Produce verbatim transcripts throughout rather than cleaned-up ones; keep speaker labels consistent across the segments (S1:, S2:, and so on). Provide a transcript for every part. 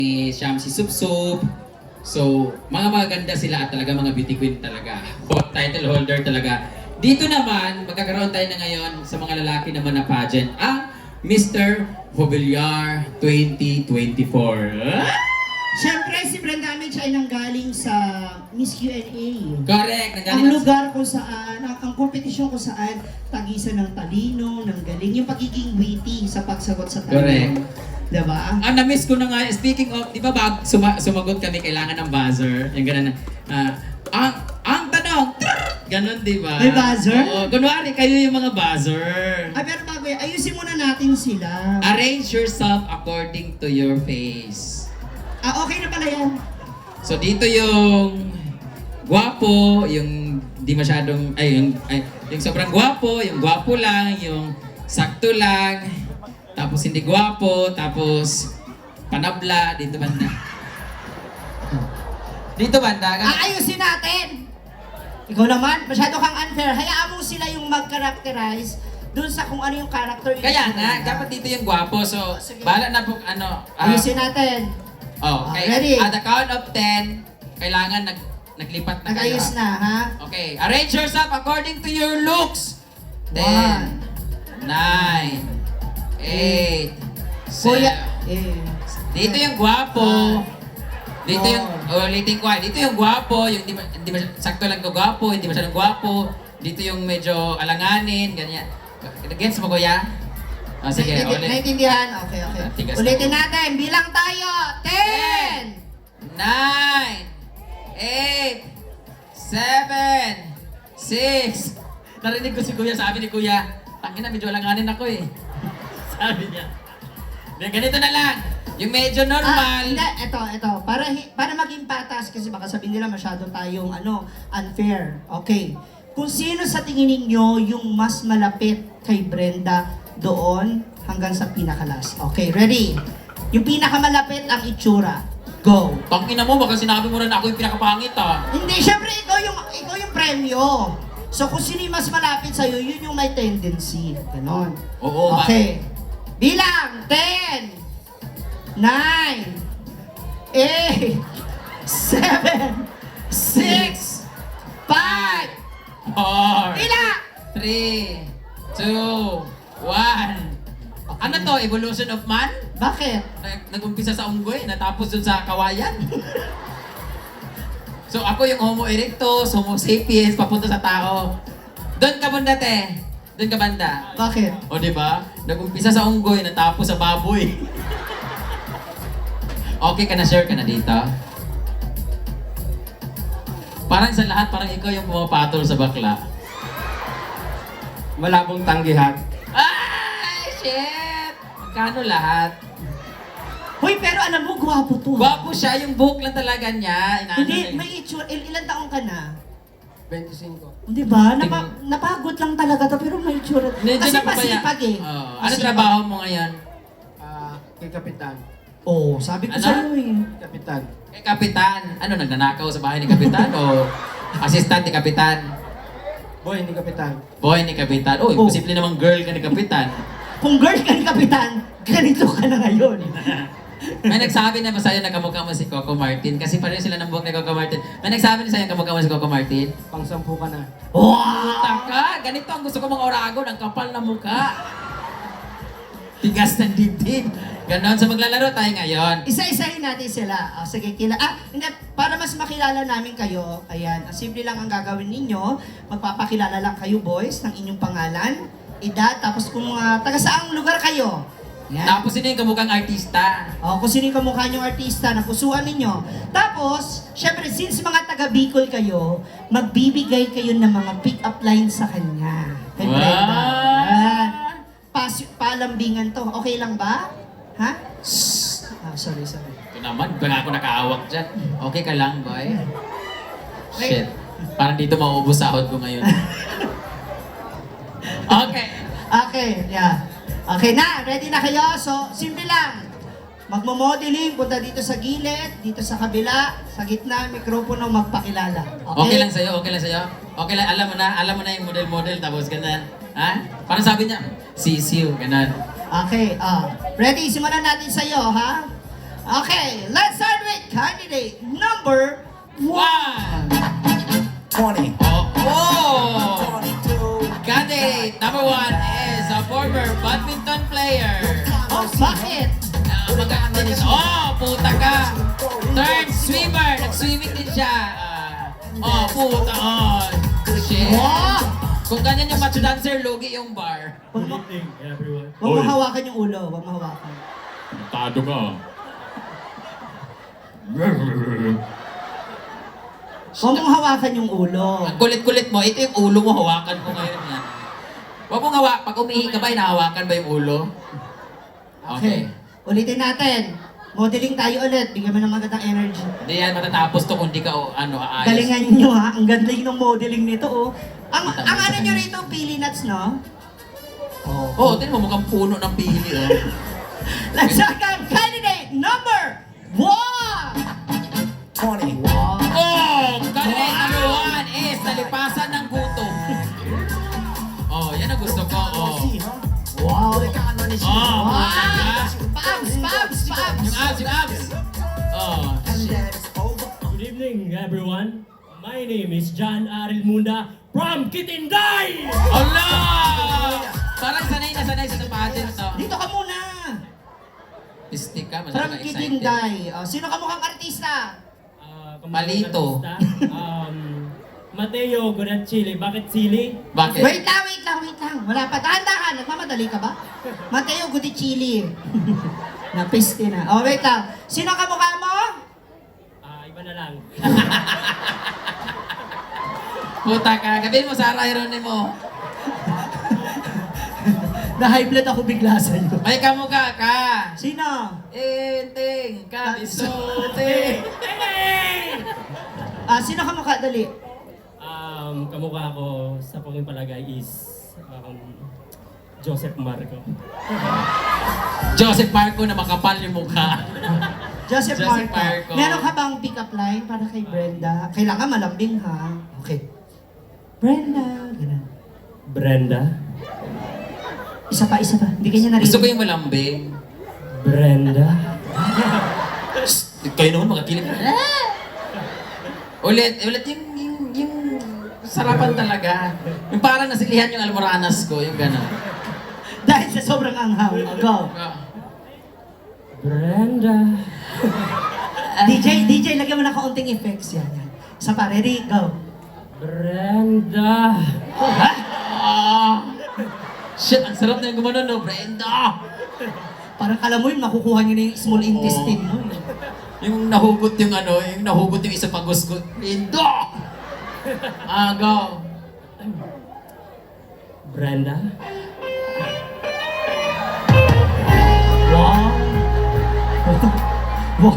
S1: ni Siyam si Sup Sup. So, mga magaganda sila at talaga mga beauty queen talaga. Hot title holder talaga. Dito naman, magkakaroon tayo na ngayon sa mga lalaki naman na pageant, ang Mister Mobiliar twenty twenty-four.
S2: Siyempre, si Brenda Amich ay nanggaling sa Miss Q and A.
S1: Correct.
S2: Ang
S1: Nanggaling
S2: lugar kung saan, ang, ang kompetisyon kung saan, tagisan ng talino, ng galing, yung pagiging witty sa pagsagot sa tanong.
S1: Correct.
S2: Diba?
S1: Ah, na-miss ko na nga. Speaking of, di ba bag, suma, sumagot kami, kailangan ng buzzer. Yung gano'n na, ah, ang, ang tanong, gano'n, di ba?
S2: May buzzer?
S1: Oo, kunwari, kayo yung mga buzzer.
S2: Ay, pero bago yan, ayusin muna natin sila.
S1: Arrange yourself according to your face.
S2: Ah, okay na pala yan.
S1: So, dito yung gwapo, yung di masyadong, ay, yung, ay, yung sobrang gwapo, yung gwapo lang, yung sakto lang, tapos hindi gwapo, tapos panabla, dito banda. Dito banda.
S2: Ah, ayusin natin! Ikaw naman, masyado kang unfair. Hayaan mo sila yung mag-characterize dun sa kung ano yung character.
S1: Kaya nga, dapat dito yung gwapo. So,
S2: Sige.
S1: bahala na po, ano. ah,
S2: Ayusin natin.
S1: oh, okay.
S2: Ah, ready?
S1: At the count of ten, kailangan nag, naglipat na kayo.
S2: Nag-ayos na, ha?
S1: Okay, arrange yourself according to your looks.
S2: One.
S1: Ten, nine, eight,
S2: Kuya,
S1: seven.
S2: eh.
S1: Dito yung gwapo. Dito yung,
S2: Oh.
S1: ulitin ko ah. Dito yung gwapo, yung di, di masy- sakto lang ko gwapo, hindi masyadong gwapo. Dito yung medyo alanganin, ganyan. Gets mo, kuya? Oh, sige,
S2: Naintindihan,
S1: ulit.
S2: naintindihan? Okay, okay.
S1: Tigas
S2: Ulitin
S1: na.
S2: natin. Bilang tayo. Ten!
S1: Nine, eight, seven, six. Narinig ko si kuya, sabi ni kuya, tangina, medyo alanganin ako eh. Sabi niya. Then, ganito na lang. Yung medyo
S2: Ah,
S1: normal.
S2: hindi. Ito, ito. Para, hi- para maging patas, kasi baka sabihin nila masyado tayong ano, unfair. Okay. Kung sino sa tingin ninyo yung mas malapit kay Brenda doon hanggang sa pinakalas. Okay, ready? Yung pinakamalapit ang itsura. Go!
S1: Tangina mo, baka sinabi mo rin ako yung pinakapangit ah.
S2: Hindi, syempre ikaw yung, ikaw yung premyo. So kung sino yung mas malapit sa'yo, yun yung may tendency. Ganon.
S1: Oo, ba-
S2: Okay. Bilang! ten, nine, eight, seven, six, five,
S1: Four,
S2: Bila!
S1: three, two, one. Ano to? Evolution of man?
S2: Bakit?
S1: Nag- Nag-umpisa sa unggoy, natapos dun sa kawayan. So ako yung Homo erectus, Homo sapiens, papunta sa tao. Doon ka banda, te. Doon ka banda.
S2: Bakit?
S1: O, di ba? Nag-umpisa sa unggoy, natapos sa baboy. Okay ka na, share ka na dito. Parang sa lahat, parang ikaw yung pumapatol sa bakla.
S3: Malabong tanggihan.
S1: Ay, shit! Magkano lahat?
S2: Hoy, pero alam mo, gwapo to.
S1: Gwapo siya, yung buhok lang talaga niya. Inaano
S2: Hindi,
S1: niya.
S2: may itsura. Il- ilan taong ka na?
S3: twenty-five.
S2: Di ba? Napa- napagod lang talaga to, pero may itsura.
S1: Medyo
S2: Kasi
S1: napapaya-
S2: masipag eh.
S1: Oo. Ano
S2: Masipag.
S1: trabaho mo ngayon?
S3: Ah, kay Kapitan.
S2: Oo, sabi ko
S1: Ano?
S2: sa'yo eh.
S3: Kapitan.
S1: Kay Kapitan. Ano, nagnanakaw sa bahay ni Kapitan o assistant ni Kapitan?
S3: Boy, hindi Kapitan.
S1: Boy ni Kapitan. Oh,
S2: Oh.
S1: imposible namang girl ka ni Kapitan.
S2: Kung girl ka ni Kapitan, ganito ka na ngayon.
S1: May nagsabi na ba sa'yo na kamukha mo si Coco Martin? Kasi pareho sila ng buhok ni Coco Martin. May nagsabi na sa'yo na kamukha mo si Coco Martin?
S3: Pang-sampu ka na.
S2: Wow!
S1: Taka! Ganito ang gusto ko mga oragon, ang kapal na mukha. Tigas ng dibdib. Ganon. So maglalaro tayo ngayon.
S2: Isa-isahin natin sila. O, sige, kila... Ah, hindi. Para mas makilala namin kayo, ayan, ang simple lang ang gagawin ninyo. Magpapakilala lang kayo, boys, ng inyong pangalan, edad, tapos kung uh, taga saang lugar kayo. Yan.
S1: Tapos sino yung kamukhang artista?
S2: O, kung sino yung kamukha niyong artista na pusuan ninyo. Tapos, syempre, since mga taga Bicol kayo, magbibigay kayo ng mga pick-up lines sa kanya. Kay
S1: Wow!
S2: Brenda. Yan. Pas palambingan to. Okay lang ba? Ha? Ah, sorry, sorry.
S1: Ito naman, baka ako nakaawak dyan. Okay ka lang, boy?
S2: Okay.
S1: Shit. Parang dito mauubos sahod ko ngayon. Okay.
S2: Okay, yeah. Okay na, ready na kayo? So, simple lang. Magmo-modeling, punta dito sa gilid, dito sa kabila, sa gitna, mikropono, magpakilala. Okay?
S1: Okay lang sa'yo, okay lang sa'yo. Okay lang, alam mo na, alam mo na yung model-model, tapos ganun. Ha? Parang sabi niya, sisiw, ganun.
S2: Okay, ah. Ready? Simulan natin sa'yo, ha? Okay, let's start with candidate number one.
S4: twenty,
S1: Oh, oh!
S4: twenty-two,
S1: Candidate number one is a former badminton player.
S2: Oh, bakit?
S1: Uh, maganda din. Oh, puta ka! Third swimmer. Nag-swimming din siya. Ah, oh, puta. Oh, shit.
S2: Wow!
S1: Kung ganyan yung macho dancer, lugi yung bar.
S2: Huwag mo,
S5: Good evening, everyone.
S2: huwag mo hawakan yung ulo. Huwag mo hawakan.
S1: Tado ka.
S2: Huwag mong hawakan yung ulo.
S1: Ang kulit-kulit mo, ito yung ulo mo, hawakan mo ngayon yan. Huwag mong hawa, pag umihi ka ba, hinahawakan ba yung ulo? Okay.
S2: Ulitin natin. Modeling tayo ulit. Bigyan mo ng magandang energy.
S1: Hindi yan matatapos to kung di ka o, ano, aayos.
S2: Galingan nyo ha. Ang galing ng modeling nito oh. Ang, ang ano nyo rito, pili nuts, no?
S1: Oo, oh, tingnan mo, mukhang puno ng pili, oh.
S2: Let's second candidate number one!
S4: twenty,
S2: Wow!
S1: Oh! Candidate number one is nalipasan ng gutom. Oh, yan ang gusto ko, oh.
S2: Wow!
S1: Oh,
S2: Wow!
S1: puta ka.
S2: Pabs! Pabs! Pabs!
S1: Yung abs, yung abs. Oh, shit.
S5: Good evening, everyone. My name is John Aril Munda from Kitinday!
S1: Allah! Parang sanay na sanay sa pageant, no?
S2: Dito ka muna!
S1: Pistik ka,
S2: From
S1: masyadong excited.
S2: Kitinday. Oh, sino ka mukhang artista?
S5: Uh,
S1: Palito.
S5: um, Mateo Gorachili. Bakit sili?
S1: Bakit?
S2: Wait lang, wait lang, wait lang. Wala pa. Dahan-dahan. Nagmamadali ka ba? Mateo Gutichili. Napiste na. Oh, wait lang. Sino ka mukha mo?
S5: Ah, iba na lang.
S1: Puta ka, gabihin mo Sarah Geronimo.
S2: Na-high blood ako bigla sa'yo.
S1: May kamukha ka.
S2: Sino?
S1: Enting, kabisote.
S2: Ah, sino ka mukha? Dali.
S5: Um, kamukha ko sa paging palagay is um, Joseph Marco.
S1: Joseph Marco na makapal yung mukha.
S2: Joseph,
S1: Joseph
S2: Marco.
S1: Marco.
S2: Meron ka bang pick-up line para kay Brenda? Kailangan malambing ha. Okay. Brenda. Ganun.
S5: Brenda.
S2: Isa pa, isa pa. Hindi kanya narinig.
S1: Gusto ko yung malambing.
S5: Brenda.
S1: Kayo naman makakilig. Ulit, ulit yung, yung, yung sarapan talaga. Yung parang nasilihan yung almoranas ko, yung gano'n.
S2: Dahil sa sobrang anghang. Oh, go.
S5: Brenda.
S2: D J, D J, lagyan mo na kaunting effects yan. yan. Sa pa, ready? Go.
S5: Brenda.
S1: Ah! Shit, ang sarap na yung gumanon, no? Brenda!
S2: Parang alam mo yun, makukuha niyo na yung small intestine mo. eh.
S1: Yung nahugot yung ano, yung nahugot yung isa pang gusto. Brenda! Ah, go.
S5: Brenda.
S2: Wow. Wow.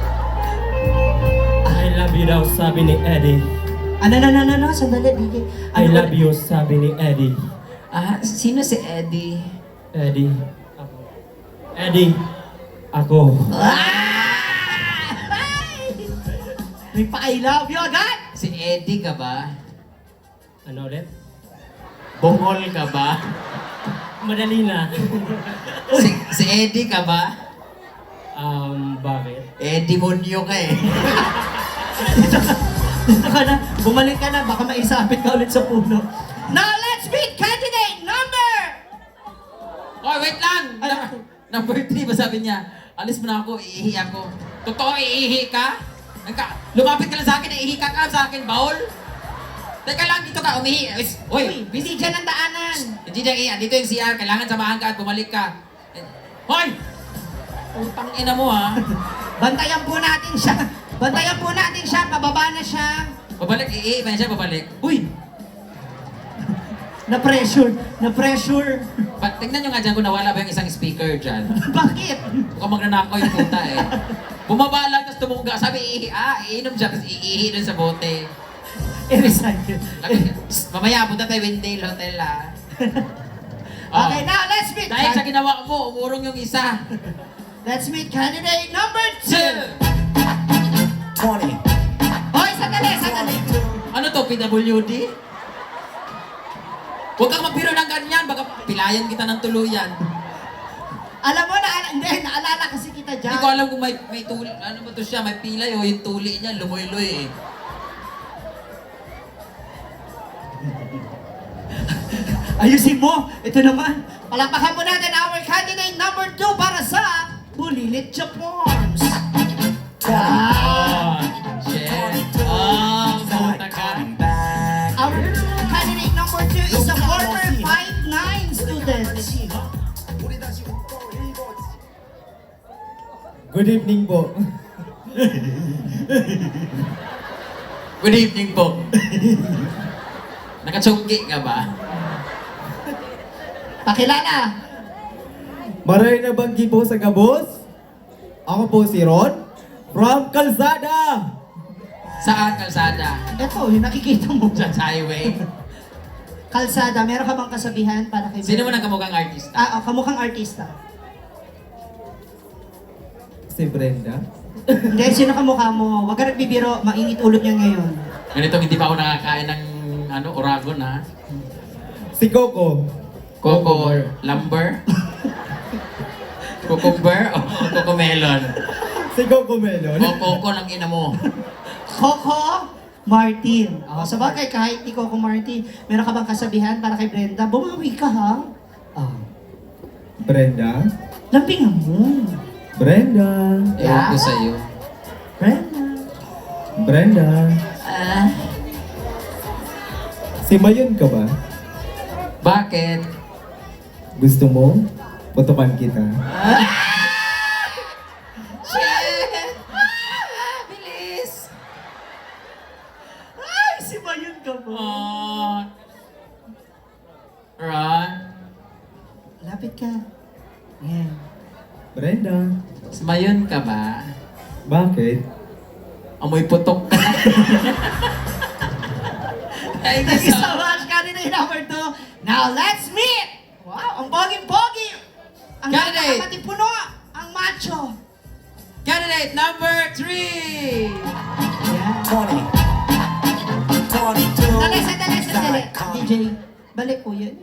S5: I love you daw, sabi ni Eddie.
S2: Ano, ano, ano, ano, sandali, D J.
S5: I love you, sabi ni Eddie.
S1: Ah, sino si Eddie?
S5: Eddie. Ako. Eddie. Ako.
S2: Ah! May pa I love you agad!
S1: Si Eddie ka ba?
S5: Ano ulit?
S1: Bongol ka ba?
S5: Madali na.
S1: Si, si Eddie ka ba?
S5: um, bakit?
S1: Eddie Monyo ka eh.
S2: Dito ka, dito ka na, bumalik ka na, baka maisapit ka ulit sa puno. Now, let's meet candidate number!
S1: Oh, wait lang!
S2: Ano?
S1: Number, number three ba sabi niya? Alis mo na ako, iihi ako. Totoo, iihi ka? Nagka, lumapit ka lang sa akin, iihi ka ka sa akin, baul? Teka lang, dito ka, umihi. Uy,
S2: Uy, hindi dyan ang daanan.
S1: hindi dyan iihi. Dito yung C R, kailangan samahan ka at bumalik ka. Hoy! Utang ina mo ha.
S2: Bantayan po natin siya. Bantayan po natin siya, pababa na siya.
S1: Babalik, iihi pa siya, babalik. Uy!
S2: Na-pressure, na-pressure.
S1: Ba, tingnan nyo nga dyan kung nawala ba yung isang speaker dyan.
S2: Bakit?
S1: Mukhang magnanakaw yung puta eh. Bumaba lang, tapos tumungga. Sabi, iihi, ah, iinom siya, tapos iihi dun sa bote.
S2: I-recycle.
S1: Lagi- Psst, mamaya, punta tayo Windale Hotel ah. Oh.
S2: Okay, now let's meet.
S1: Dahil sa ginawa mo, umurong yung isa.
S2: Let's meet candidate number two.
S1: Two.
S4: twenty,
S2: Hoy, sandali, sandali.
S1: Ano to, P W D? Huwag kang magbiro ng ganyan, baka pilayan kita ng tuluyan.
S2: Alam mo, na, hindi, naalala kasi kita ka
S1: Hindi
S2: dyan.
S1: ko alam kung may, may tuli, ano ba to siya, may pilay o yung tuli niya, lumoy-loy eh.
S2: Ayusin mo! Ito naman! Palakpakan po natin our candidate number two para sa Bulilit Japons! Ah!
S1: Oh, shit. Oh, puta ka.
S4: Coming back.
S2: Our candidate number two is a former five nine student.
S4: 우리 다시 웃고 일본.
S3: Good evening po.
S1: Good evening po. Nakachungki ka ba?
S2: Pakilala!
S3: Maray na banggi po sa Gabos. Ako po si Ron from Calzada.
S1: Saan kalsada?
S2: Ito, yung nakikita mo
S1: Dyan
S2: dyan.
S1: sa highway.
S2: Kalsada, meron ka bang kasabihan para kay
S1: Sino mo nang kamukhang artista?
S2: Ah, oh, kamukhang artista.
S3: Si Brenda.
S2: Hindi, sino kamukha mo? Huwag ka nagbibiro, mainit ulo niya ngayon.
S1: Ganito, hindi pa ako nakakain ng ano, oragon ha.
S3: Si Coco.
S1: Coco lumber? Cucumber o Coco melon?
S3: Si Coco Melon.
S1: O Coco ng ina mo?
S2: Coco Martin. Oh, sa bagay, kahit ni Coco Martin, meron ka bang kasabihan para kay Brenda? Bumawi ka ha? Oh.
S3: Brenda.
S2: Lampingan mo.
S3: Brenda.
S1: Ewan ko sa'yo.
S2: Brenda.
S3: Brenda.
S2: Ah.
S3: Si Mayon ka ba?
S1: Bakit?
S3: Gusto mo? Putukan kita.
S2: Shit! Ah, bilis! Ay, si Mayon ka ba?
S1: Oh. Ron?
S2: Lapit ka. Yan.
S3: Brenda.
S1: Mayon ka ba?
S3: Bakit?
S1: Amoy putok ka na. Thank
S2: Thank
S1: you
S2: you
S1: so
S2: so much, candidate number two. Now, let's meet! Wow, ang boging-pogi! Ang
S1: Candidate!
S2: napakatipuno! Ang macho!
S1: Candidate number three!
S2: Yan.
S4: twenty. twenty-two.
S2: Sandali, sandali, sandali.
S4: Side com-
S2: D J, balik po yan.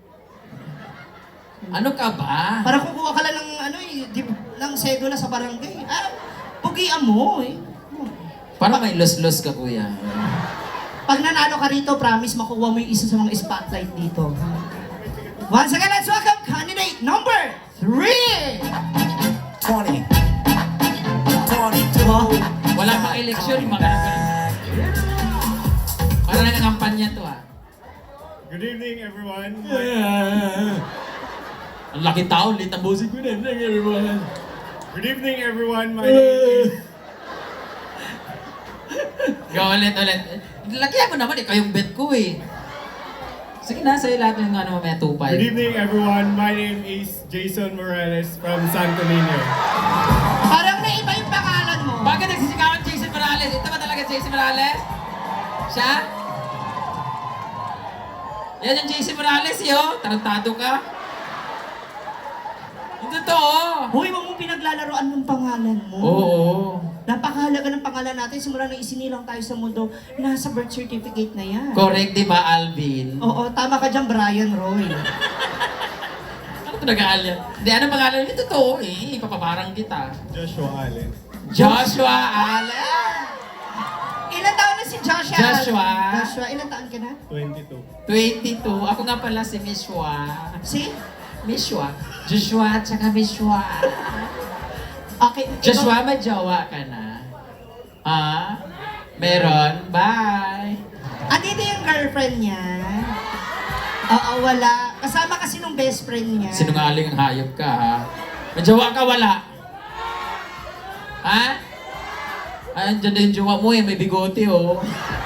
S1: Ano ka ba?
S2: Para kukuha ka lang ng, ano, eh, di, ng sedula sa barangay. Ah, pugian mo eh.
S1: Parang may los-los ka, kuya.
S2: Pag nanalo ka rito, promise makuha mo yung isa sa mga spotlight dito. Once again, let's welcome candidate number three!
S4: twenty. twenty-two.
S2: Oh,
S1: Wala pang eleksyon, yung mga ganun. Parang nangangampanya to ah.
S6: Good evening, everyone.
S1: Ang laki tao, lit ang boses ko na.
S6: Good evening, everyone. My name is
S1: Go ulit, ulit. Lakihan mo naman, ikaw yung bet ko eh. Sige na, sa'yo lahat yung ano, may tupay.
S6: Good evening, everyone. My name is Jason Morales from Santo Niño.
S2: parang naiba yung pangalan mo.
S1: Bakit nagsisigawan Jason Morales? Ito ba talaga Jason Morales? Siya? Yan yung Jason Morales, yo. Tarantado ka. Yung totoo.
S2: Hoy, wag mong pinaglalaroan ng pangalan mo.
S1: Oo.
S2: Napakahalaga ng pangalan natin. Simula nang isinilang tayo sa mundo, nasa birth certificate na yan.
S1: Correct, di ba, Alvin?
S2: Oo, tama ka dyan, Brian Roy.
S1: Ano ito nag-aalyan? Hindi, ano pangalan? Ito totoo eh. Ipapaparang kita.
S6: Joshua Allen.
S1: Joshua Allen!
S2: Ilan taon na si Joshua?
S1: Joshua.
S2: Joshua, ilan taon ka na?
S6: twenty-two.
S1: twenty-two. Ako nga pala si Mishwa.
S2: Si?
S1: Mishwa. Joshua at saka Mishwa.
S2: Okay. ikaw-
S1: Joshua, may jowa ka na? Ha? Meron? Bye!
S2: Andito yung girlfriend niya. Oo, wala. Kasama kasi nung best friend niya.
S1: Sinungaling ang hayop ka, ha? May jowa ka, wala? Ha? Ay, andyan na yung jowa mo eh, may bigote oh.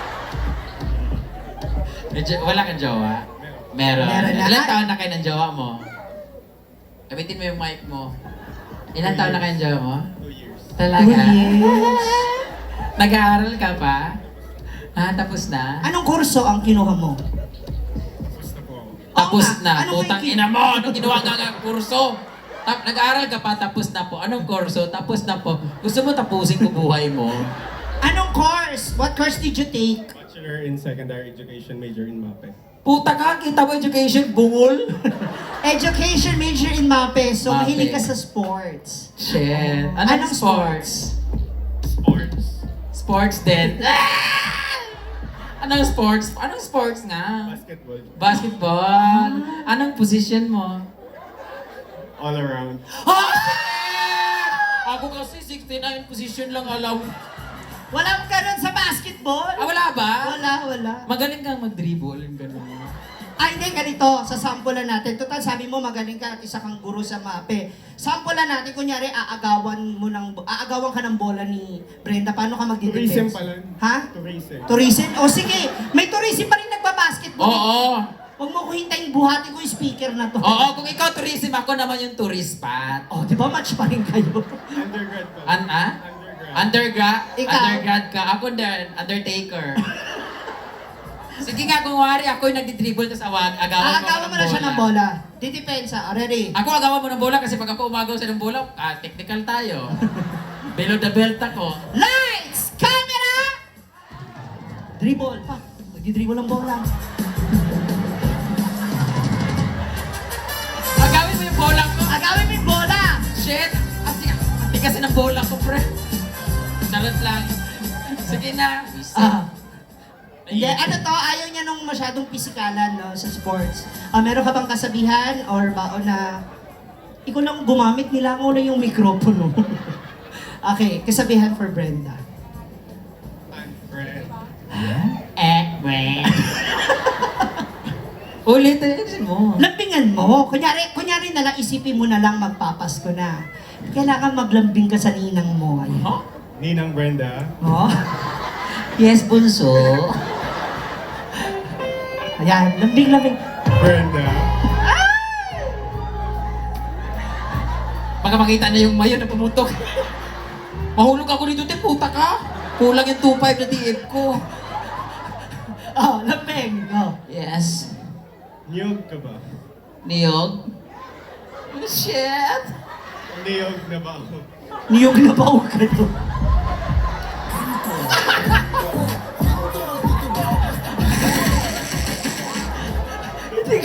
S1: May jo- wala kang jowa? Meron.
S2: Meron na.
S1: Ilan taon na kayo ng jowa mo? Gamitin mo yung mic mo. Ilan taon na kayo ng jowa mo?
S6: Two years.
S1: Talaga?
S2: Two years.
S1: Nag-aaral ka pa? Ha? Tapos na?
S2: Anong kurso ang kinuha mo?
S6: Gusto po ako.
S1: Tapos
S2: Oo nga.
S1: na.
S2: Ano
S1: Putang
S2: may kin-
S1: ina mo! Anong ginawa nga nga kurso? Tap, nag-aaral ka pa, tapos na po. Anong kurso? Tapos na po. Gusto mo tapusin ko buhay mo?
S2: Anong course? What course did you take?
S6: Bachelor in Secondary Education, major in MAPE.
S1: Puta ka, kita mo education, bungol.
S2: Education major in MAPE, so
S1: MAPE.
S2: mahilig ka sa sports.
S1: Shit. Anong,
S2: Anong
S1: sports?
S6: Sports.
S1: Sports din. Ah! Anong sports? Anong sports nga?
S6: Basketball.
S1: Basketball. Anong position mo?
S6: All around.
S1: Ah! shit! Ako kasi sixty-nine position lang alam.
S2: Walang ganun sa basketball?
S1: Ah, wala ba?
S2: Wala, wala.
S1: Magaling kang mag-dribble, yung ganun.
S2: Ay, hindi, ganito. Sasampulan natin. Total, sabi mo magaling ka at isa kang guro sa MAPE. Sampulan natin, kunyari, aagawan mo ng, aagawan ka ng bola ni Brenda. Paano ka magdi-defense?
S6: Tourism pala.
S2: Ha?
S6: Tourism.
S2: Tourism? O sige, may tourism pa rin nagbabasketball.
S1: Oo.
S2: Huwag mo ko hintayin buhatin ko yung speaker na to.
S1: Oo, kung ikaw tourism, ako naman yung tourist spot.
S2: Oh, di ba match pa rin kayo?
S6: Undergrad pala.
S1: An, ah?
S6: Undergrad.
S1: Undergrad?
S2: Ikaw?
S1: Undergrad ka. Ako din, Undertaker. Sige nga, kung wari, ako yung nagdi-dribble, tapos awag, agawan mo
S2: Aagawan mo na siya ng bola. Didepensa. Ready?
S1: Ako agawan mo ng bola kasi pag ako umagaw sa ng bola, ah, technical tayo. Below the belt ako.
S2: Lights! Camera! Dribble. Pa. Magdi-dribble ng bola.
S1: Agawin mo yung bola ko.
S2: Agawin mo yung bola!
S1: Shit! Ati, ati kasi ng bola ko, pre. Charot lang. Sige na.
S2: Ah. Hindi, ano to, ayaw niya nung masyadong pisikalan no, sa sports. Ah, meron ka bang kasabihan or baon na ikaw lang gumamit nila mo na yung mikropono? Okay, kasabihan for Brenda.
S6: Unfriend.
S2: Eh, Brenda.
S1: Ulitin mo.
S2: Lambingan mo. Kunyari, kunyari na lang, isipin mo na lang magpapasko na. Kailangan maglambing ka sa ninang mo. Ayan.
S1: Huh?
S6: Ninang Brenda.
S2: Oh? Yes, bunso. Ayan, lambing-lambing.
S6: Brenda.
S1: Baka makita na yung mayo na pumutok. Mahulog ako dito, te, puta ka. Kulang yung two five na D F ko.
S2: Oh, lambing. Oh.
S1: Yes.
S6: Niyog ka ba?
S1: Niyog? Shit.
S6: Niyog na ba ako?
S2: Niyog na ba ka to?